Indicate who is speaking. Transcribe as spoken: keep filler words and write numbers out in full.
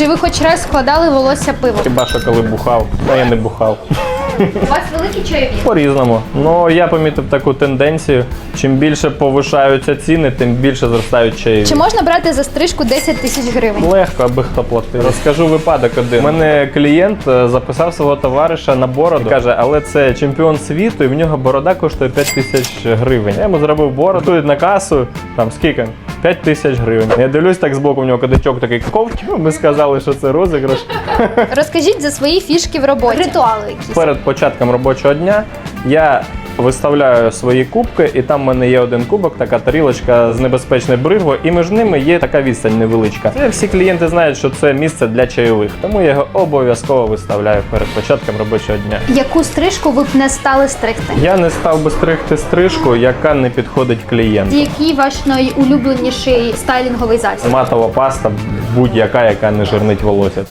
Speaker 1: Чи ви хоч раз складали волосся пивом?
Speaker 2: Хіба що коли бухав, а я не бухав.
Speaker 1: У вас великі чайові?
Speaker 2: По-різному. Ну, я помітив таку тенденцію. Чим більше повишаються ціни, тим більше зростають чаєві.
Speaker 1: Чи можна брати за стрижку десять тисяч гривень?
Speaker 2: Легко, аби хто платив. Розкажу випадок один. У мене клієнт е, записав свого товариша на бороду. Каже, але це чемпіон світу і в нього борода коштує п'ять тисяч гривень. Я йому зробив бороду, тут на касу, там скільки? п'ять тисяч гривень. Я дивлюсь так збоку, в нього кадачок такий ковч. Ми сказали, що це розіграш.
Speaker 1: Розкажіть за свої фішки в роботі. Ритуали якісь.
Speaker 2: Перед початком робочого дня я виставляю свої кубки, і там в мене є один кубок, така тарілочка з небезпечною бригвою, і між ними є така відстань невеличка. Це всі клієнти знають, що це місце для чайових, тому я його обов'язково виставляю перед початком робочого дня.
Speaker 1: Яку стрижку ви б не стали стригти?
Speaker 2: Я не став би стригти стрижку, яка не підходить клієнту.
Speaker 1: Який ваш найулюбленіший стайлінговий засіб?
Speaker 2: Матова паста будь-яка, яка не жирнить волосся.